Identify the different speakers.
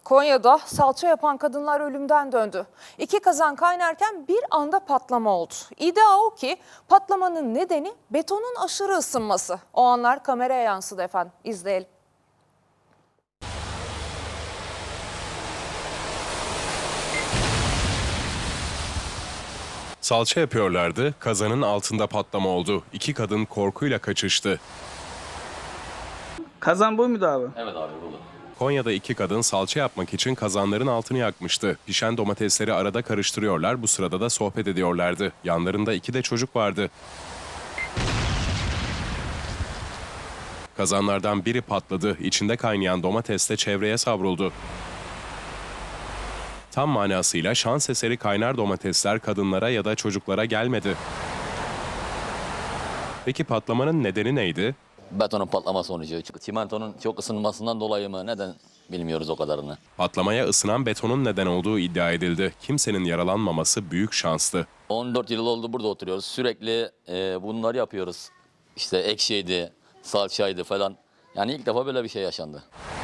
Speaker 1: Konya'da salça yapan kadınlar ölümden döndü. 2 kazan kaynarken bir anda patlama oldu. İddia o ki patlamanın nedeni betonun aşırı ısınması. O anlar kameraya yansıdı efendim. İzleyelim.
Speaker 2: Salça yapıyorlardı, kazanın altında patlama oldu. 2 kadın korkuyla kaçıştı.
Speaker 3: Kazan bu muydu abi?
Speaker 4: Evet abi bu.
Speaker 2: Konya'da 2 kadın salça yapmak için kazanların altını yakmıştı. Pişen domatesleri arada karıştırıyorlar, bu sırada da sohbet ediyorlardı. Yanlarında 2 de çocuk vardı. Kazanlardan biri patladı, içinde kaynayan domates de çevreye savruldu. Tam manasıyla şans eseri kaynar domatesler kadınlara ya da çocuklara gelmedi. Peki patlamanın nedeni neydi?
Speaker 4: Betonun patlama sonucu. Çimentonun çok ısınmasından dolayı mı? Neden bilmiyoruz o kadarını.
Speaker 2: Patlamaya ısınan betonun neden olduğu iddia edildi. Kimsenin yaralanmaması büyük şanstı.
Speaker 4: 14 yıl oldu burada oturuyoruz. Sürekli bunları yapıyoruz. İşte ekşiydi, salçaydı falan. Yani ilk defa böyle bir şey yaşandı.